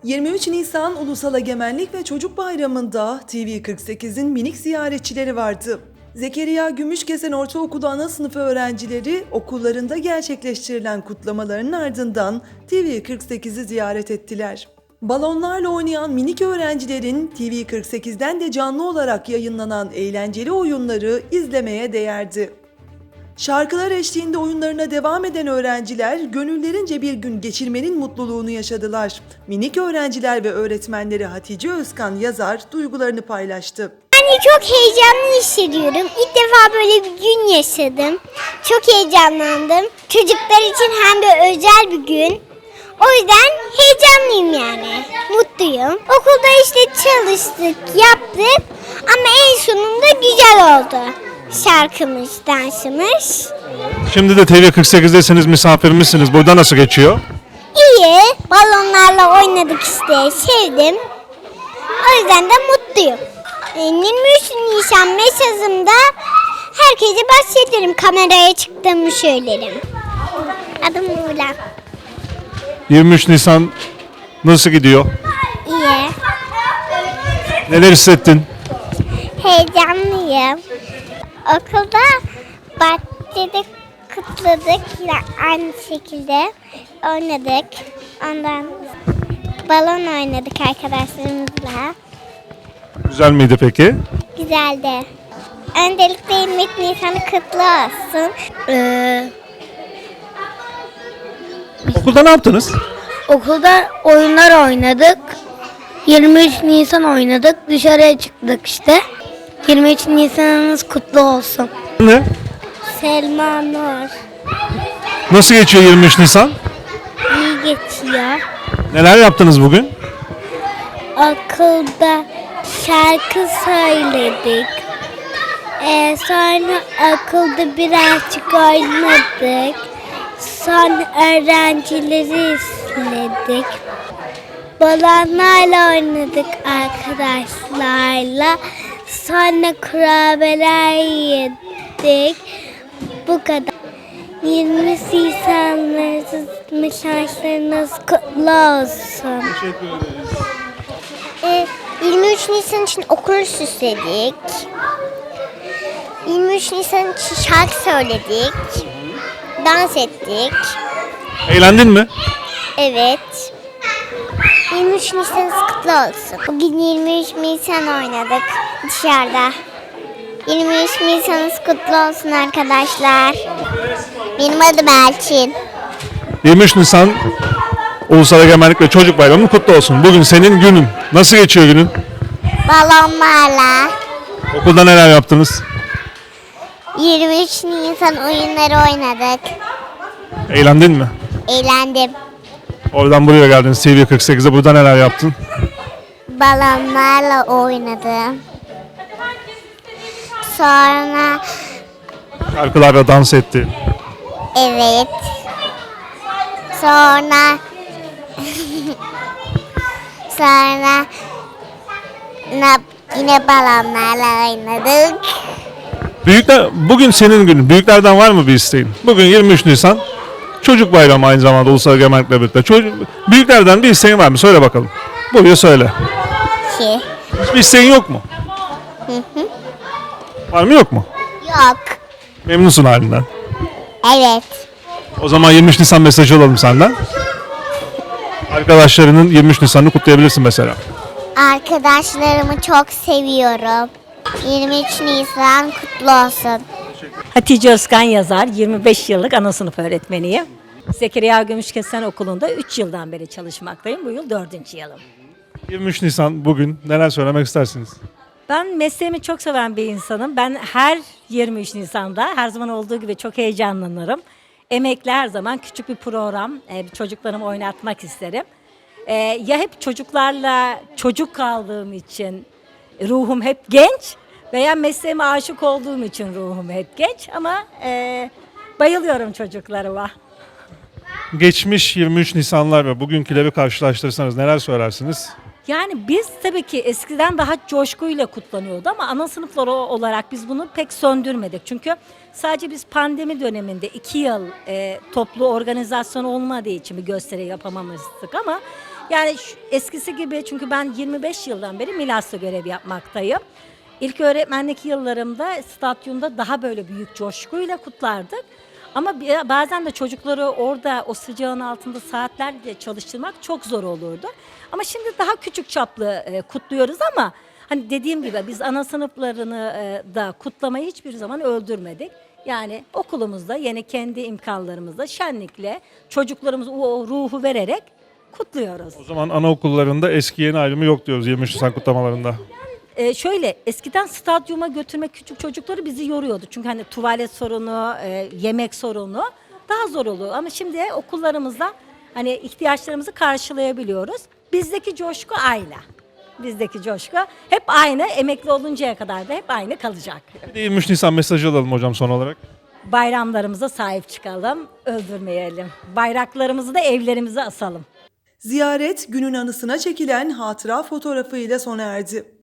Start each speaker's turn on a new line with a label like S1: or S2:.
S1: 23 Nisan Ulusal Egemenlik ve Çocuk Bayramı'nda TV48'in minik ziyaretçileri vardı. Zekeriya Gümüşkesen Ortaokulu ana sınıfı öğrencileri okullarında gerçekleştirilen kutlamaların ardından TV48'i ziyaret ettiler. Balonlarla oynayan minik öğrencilerin TV48'den de canlı olarak yayınlanan eğlenceli oyunları izlemeye değerdi. Şarkılar eşliğinde oyunlarına devam eden öğrenciler gönüllerince bir gün geçirmenin mutluluğunu yaşadılar. Minik öğrenciler ve öğretmenleri Hatice Özkan Yazar duygularını paylaştı.
S2: Yani çok heyecanlı hissediyorum. İlk defa böyle bir gün yaşadım. Çok heyecanlandım. Çocuklar için hem de özel bir gün. O yüzden heyecanlıyım yani. Mutluyum. Okulda işte çalıştık, yaptık ama en sonunda güzel oldu. Şarkımız, dansımız.
S3: Şimdi de TV48'desiniz, misafirimizsiniz. Burada nasıl geçiyor?
S2: İyi. Balonlarla oynadık işte. Sevdim. O yüzden de mutluyum. 23 Nisan mesajımda herkese bahsederim. Kameraya çıktığımı söylerim. Adım Muğla.
S3: 23 Nisan nasıl gidiyor?
S2: İyi.
S3: Neler hissettin?
S2: Heyecanlıyım. Okulda bahçede kutladık. Yine aynı şekilde oynadık. Ondan balon oynadık arkadaşlarımızla.
S3: Güzel miydi peki?
S2: Güzeldi. Öncelikle 23 Nisan'ı kutlu olsun.
S3: Okulda ne yaptınız?
S4: Okulda oyunlar oynadık. 23 Nisan oynadık. Dışarıya çıktık işte. 23 Nisan'ınız kutlu olsun.
S3: Ne?
S2: Selma Nur.
S3: Nasıl geçiyor 23 Nisan?
S2: İyi geçiyor.
S3: Neler yaptınız bugün?
S2: Okulda şarkı söyledik. Sonra okulda birazcık oynadık. Sonra öğrencileri izledik. Balonlarla oynadık arkadaşlarla. Sonra kurabiyeler yedik. Bu kadar. 20 Nisan'ınız şanslarınız kutlu olsun.
S3: Teşekkür ederiz.
S2: 23 Nisan için okulu süsledik. 23 Nisan için şarkı söyledik. Dans ettik.
S3: Eğlendin mi?
S2: Evet. 23 Nisan'ınız kutlu olsun. Bugün 23 Nisan oynadık dışarıda. 23 Nisan'ınız kutlu olsun arkadaşlar. Benim adım Elçin.
S3: 23 Nisan Ulusal Egemenlik ve Çocuk Bayramı kutlu olsun. Bugün senin günün. Nasıl geçiyor günün?
S2: Balonlarla
S3: Okulda neler yaptınız?
S2: 23 Nisan oyunları oynadık.
S3: Eğlendin mi?
S2: Eğlendim.
S3: Oradan buraya geldin TV48'e. Burada neler yaptın?
S2: Balonlarla oynadım. Sonra
S3: Şarkılarla dans etti.
S2: evet. Sonra sonra yine balonlarla oynadık.
S3: Büyükler, bugün senin günün. Büyüklerden var mı bir isteğin? Bugün 23 Nisan Çocuk Bayramı aynı zamanda Ulusal Egemenlikle birlikte. Büyüklerden bir isteğin var mı? Söyle bakalım. Buyur söyle.
S2: Ki.
S3: Hiçbir isteğin yok mu? Var mı yok mu?
S2: Yok.
S3: Memnunsun halinden.
S2: Evet.
S3: O zaman 23 Nisan mesajı alalım senden. Arkadaşlarının 23 Nisan'ını kutlayabilirsin mesela.
S2: Arkadaşlarımı çok seviyorum. 23 Nisan kutlu olsun.
S5: Hatice Özkan Yazar, 25 yıllık ana sınıf öğretmeniyim. Zekeriya Gümüşkesen Okulu'nda 3 yıldan beri çalışmaktayım. Bu yıl 4. yılım.
S3: 23 Nisan bugün neler söylemek istersiniz?
S5: Ben mesleğimi çok seven bir insanım. Ben her 23 Nisan'da her zaman olduğu gibi çok heyecanlanırım. Emekli her zaman küçük bir program, çocuklarımı oynatmak isterim. Ya hep çocuklarla çocuk kaldığım için ruhum hep genç veya mesleğime aşık olduğum için ruhum hep genç ama bayılıyorum çocuklarıma.
S3: Geçmiş 23 Nisanlar ve bugünküleri karşılaştırırsanız neler söylersiniz?
S5: Yani biz tabii ki eskiden daha coşkuyla kutlanıyordu ama ana sınıfları olarak biz bunu pek söndürmedik. Çünkü sadece biz pandemi döneminde 2 yıl toplu organizasyon olmadığı için bir gösteri yapamamıştık ama Yani eskisi gibi, çünkü ben 25 yıldan beri Milas'ta görev yapmaktayım. İlk öğretmenlik yıllarımda stadyumda daha böyle büyük coşkuyla kutlardık. Ama bazen de çocukları orada o sıcağın altında saatlerce çalıştırmak çok zor olurdu. Ama şimdi daha küçük çaplı kutluyoruz ama hani dediğim gibi biz ana sınıflarını da kutlamayı hiçbir zaman öldürmedik. Yani okulumuzda yine kendi imkanlarımızla şenlikle çocuklarımız o ruhu vererek kutluyoruz.
S3: O zaman anaokullarında eski yeni ayrımı yok diyoruz 23 Nisan kutlamalarında.
S5: Şöyle, eskiden stadyuma götürmek küçük çocukları bizi yoruyordu. Çünkü hani tuvalet sorunu, yemek sorunu daha zor oluyor. Ama şimdi okullarımızda hani ihtiyaçlarımızı karşılayabiliyoruz. Bizdeki coşku aynı. Bizdeki coşku hep aynı. Emekli oluncaya kadar da hep aynı kalacak.
S3: Bir de 23 Nisan mesajı alalım hocam son olarak.
S5: Bayramlarımıza sahip çıkalım, öldürmeyelim. Bayraklarımızı da evlerimize asalım.
S1: Ziyaret günün anısına çekilen hatıra fotoğrafıyla sona erdi.